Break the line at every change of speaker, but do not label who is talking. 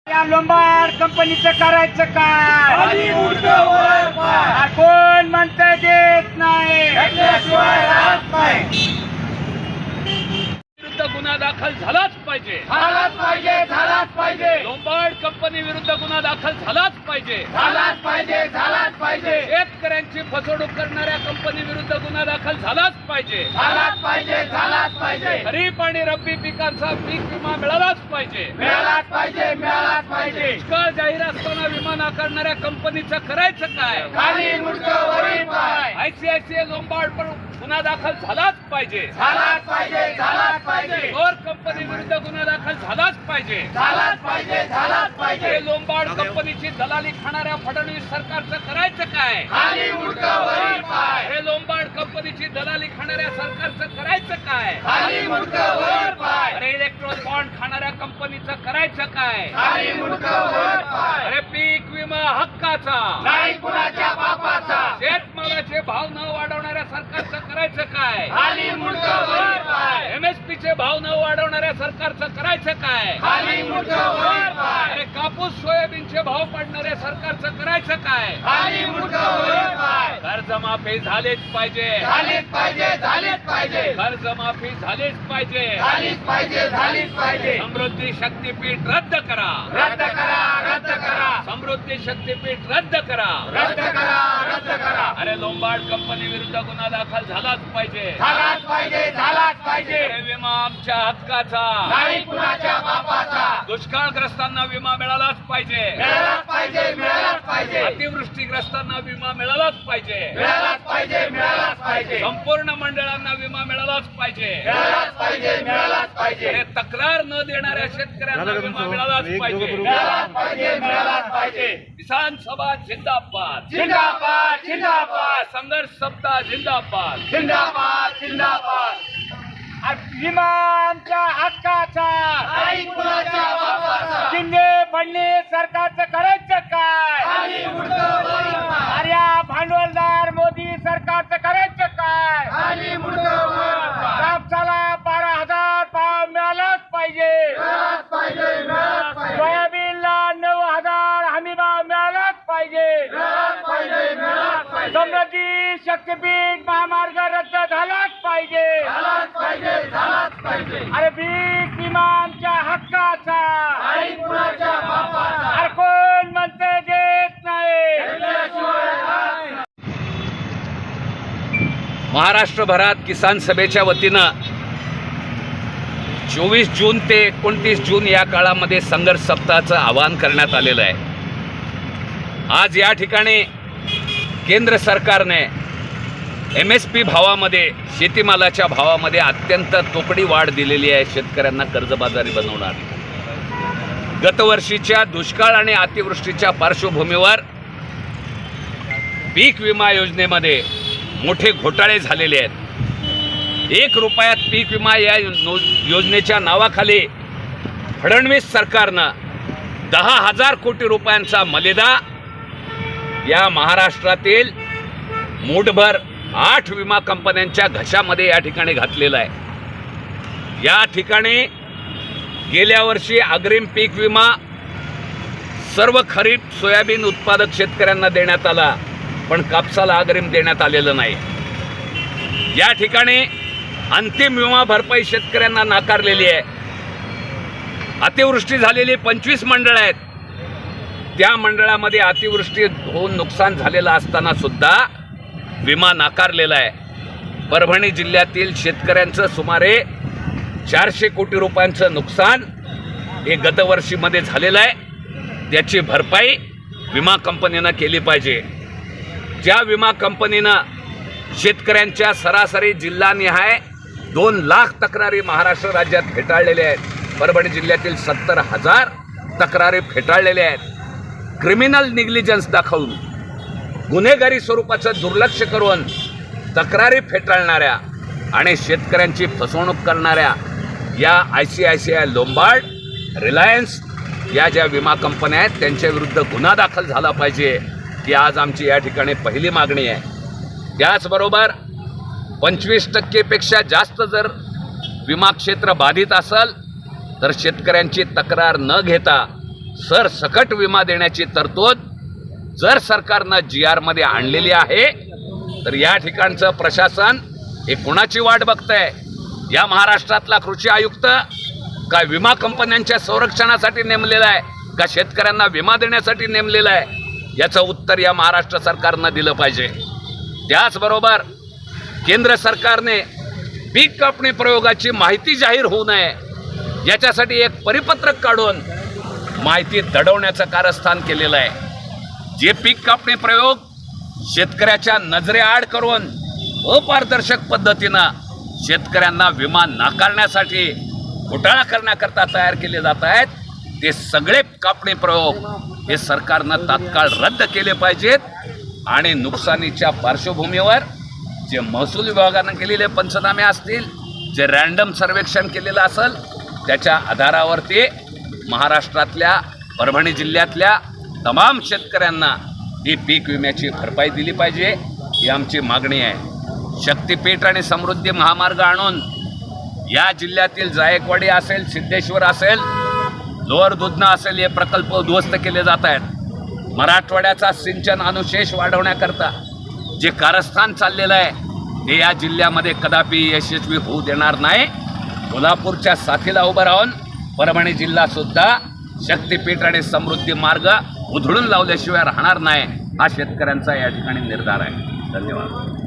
या लोंबार्ड कंपनीचं करायचं काय? कोण म्हणतंय देत नाही?
विरुद्ध गुन्हा दाखल झालाच पाहिजे.
झालाच पाहिजे.
लोंबार्ड कंपनी विरुद्ध गुन्हा दाखल झालाच पाहिजे.
झालाच पाहिजे.
शेतकऱ्यांची फसवणूक करणाऱ्या कंपनी विरुद्ध गुन्हा दाखल झालाच पाहिजे.
झालाच पाहिजे.
खरीप आणि रब्बी पिकांचा पीक विमा मिळालाच पाहिजे.
मिळालाच पाहिजे.
दुष्काळ जाहीर असताना विमा नाकारणाऱ्या कंपनीचं करायचं काय?
खाली मुंडकं वरी पाय.
आयसीआयसीआय लोंबार्ड पण गुन्हा दाखल झालाच पाहिजे.
झालाच पाहिजे.
चोर कंपनी विरुद्ध गुन्हा दाखल झालाच पाहिजे.
झालाच पाहिजे.
हे लोंबार्ड कंपनीची दलाली खाणाऱ्या फडणवीस सरकारचं करायचं काय?
खाली मुंडकं वरी पाय.
हे लोंबार्ड कंपनीची दलाली खाणाऱ्या सरकारचं करायचं काय?
खाली मुंडकं वरी पाय.
अरे इलेक्ट्रॉन बॉन्ड खाणाऱ्या कंपनीचं करायचं काय?
खाली मुंडकं वरी पाय.
अरे पीक विमा हक्काचा
नाही कुणाच्या बापाचा.
शेतमालाचे भाव न वाढवणाऱ्या सरकारचं करायचं काय?
खाली मुंडकं वरी पाय.
एमएसपीचे भाव न वाढवणाऱ्या सरकारचं करायचं काय?
खाली मुंडकं वरी पाय.
अरे कापूस सोयाबीनचे भाव पाडणाऱ्या सरकारचं करायचं काय?
खाली मुंडकं वरी पाय.
कर्जमाफी झालीच पाहिजे.
झालीच पाहिजे.
कर्जमाफी झालीच पाहिजे.
झालीच पाहिजे.
समृद्धी शक्तीपीठ रद्द करा.
रद्द करा.
समृद्धी शक्तीपीठ रद्द करा.
रद्द करा.
अरे लोंबार्ड कंपनी विरुद्ध गुन्हा दाखल झालाच पाहिजे.
झालाच पाहिजे.
अरे विमा आमच्या हक्काचा
नाही कुणाच्या बापाचा.
दुष्काळग्रस्तांना विमा मिळालाच पाहिजे.
मिळालाच पाहिजे.
अतिवृष्टीग्रस्तांना विमा मिळालाच पाहिजे.
मिळालाच पाहिजे.
संपूर्ण मंडळांना विमा मिळालाच पाहिजे.
मिळालाच पाहिजे.
अरे तक्रार न देणाऱ्या शेतकऱ्यांना विमा मिळालाच पाहिजे.
मिळालाच पाहिजे.
किसान सभा जिंदाबाद.
जिंदाबाद.
संघर्ष सप्ताह जिंदाबाद.
विमा आमच्या हक्काचा.
नाही कुणाच्या बापाचा.
शिंदे फडणवीस सरकारचं करायचं काय?
खाली मुंडकं वरी पाय.
अरे या भांडवलदार मोदी सरकारचं करायचं काय?
खाली मुंडकं वरी पाय.
कापसाला 12,000 भाव मिळालाच पाहिजे.
मिळालाच पाहिजे.
सोयाबीनला 9,000 हमी भाव मिळालाच पाहिजे.
मिळालाच पाहिजे.
समृद्धी शक्तीपीठ महामार्ग रद्द झालाच पाहिजे.
झालाच पाहिजे.
अरे पीक विमा आमच्या हक्काचा.
नाही कुणाच्या बापाचा.
अरे कोण म्हणते देत नाही?
घेतल्याशिवाय राहत नाही.
महाराष्ट्रभरात किसान सभेच्या वतीनं 24 जून ते 29 जून या काळामध्ये संघर्ष सप्ताहाचं आवाहन करण्यात आलेलं आहे. आज या ठिकाणी केंद्र सरकारने MSP भावामध्ये शेतीमालाच्या भावामध्ये अत्यंत तोकडी वाढ दिलेली आहे. शेतकऱ्यांना कर्जबाजारी बनवणार. गतवर्षीच्या दुष्काळ आणि अतिवृष्टीच्या पार्श्वभूमीवर पीक विमा योजनेमध्ये मोठे घोटाळे झालेले आहेत. 1 रुपयात पीक विमा या योजनेच्या नावाखाली फडणवीस सरकारनं 10,000 कोटी रुपयांचा मलिदा या महाराष्ट्रातील मूठभर 8 विमा कंपन्यांच्या घशामध्ये या ठिकाणी घातलेला आहे. या ठिकाणी गेल्या वर्षी अग्रिम पीक विमा सर्व खरीप सोयाबीन उत्पादक शेतकऱ्यांना देण्यात आला, पण कापसाला अग्रिम देण्यात आलेलं नाही. या ठिकाणी अंतिम विमा भरपाई शेतकऱ्यांना नाकारलेली आहे. अतिवृष्टी झालेली 25 मंडळ आहेत. त्या मंडळामध्ये अतिवृष्टी होऊन नुकसान झालेलं असताना सुद्धा विमा नाकारलेला आहे. परभणी जिल्ह्यातील शेतकऱ्यांचं सुमारे 400 कोटी रुपयांचं नुकसान हे गतवर्षीमध्ये झालेलं आहे. त्याची भरपाई विमा कंपनीनं केली पाहिजे. ज्या विमा कंपनीनं शेतकऱ्यांच्या सरासरी जिल्हानिहाय 2 लाख तक्रारी महाराष्ट्र राज्यात फेटाळलेल्या आहेत. परभणी जिल्ह्यातील 70,000 तक्रारी फेटाळलेल्या आहेत. क्रिमिनल निग्लिजन्स दाखवून गुन्हेगारी स्वरूपाचं दुर्लक्ष करून तक्रारी फेटाळणाऱ्या आणि शेतकऱ्यांची फसवणूक करणाऱ्या या ICICI लोंबार्ड, रिलायन्स या ज्या विमा कंपन्या आहेत त्यांच्या विरुद्ध गुन्हा दाखल झाला पाहिजे, ही आज आमची या ठिकाणी पहिली मागणी आहे. त्याचबरोबर 25% जास्त जर विमा क्षेत्र बाधित असेल तर शेतकऱ्यांची तक्रार न घेता सरसकट विमा देण्याची तरतूद जर सरकारनं GR मध्ये आणलेली आहे, तर या ठिकाणचं प्रशासन हे कोणाची वाट बघतंय? या महाराष्ट्रातला कृषी आयुक्त का विमा कंपन्यांच्या संरक्षणासाठी नेमलेला आहे, का शेतकऱ्यांना विमा देण्यासाठी नेमलेला आहे? याचं उत्तर या महाराष्ट्र सरकारनं दिलं पाहिजे. त्याचबरोबर केंद्र सरकारने पीक कापणी प्रयोगाची माहिती जाहीर होऊ नये याच्यासाठी एक परिपत्रक काढून माहिती दडवण्याचं कारस्थान केलेलं आहे. जे पीक कापणी प्रयोग शेतकऱ्याच्या नजरेआड करून अपारदर्शक पद्धतीनं शेतकऱ्यांना विमा नाकारण्यासाठी घोटाळा करण्याकरता तयार केले जात आहेत, ते सगळे कापणी प्रयोग हे सरकारनं तात्काळ रद्द केले पाहिजेत आणि नुकसानीच्या पार्श्वभूमीवर जे महसूल विभागानं केलेले पंचनामे असतील, जे रँडम सर्वेक्षण केलेलं असेल, त्याच्या आधारावरती महाराष्ट्रातल्या परभणी जिल्ह्यातल्या तमाम शेतकऱ्यांना ही पीक विम्याची भरपाई दिली पाहिजे, ही आमची मागणी आहे. शक्तीपीठ आणि समृद्धी महामार्ग आणून या जिल्ह्यातील जायकवाडी असेल, सिद्धेश्वर असेल, लोअर दुधना असेल, हे प्रकल्प उद्ध्वस्त केले जात आहेत. मराठवाड्याचा सिंचन अनुशेष वाढवण्याकरता जे कारस्थान चाललेलं आहे ते या जिल्ह्यामध्ये कदापि यशस्वी होऊ देणार नाही. कोल्हापूरच्या साथीला उभं राहून परभणी जिल्हासुद्धा शक्तीपीठ आणि समृद्धी मार्ग उधळून लावल्याशिवाय राहणार नाही, हा शेतकऱ्यांचा या ठिकाणी निर्धार आहे. धन्यवाद.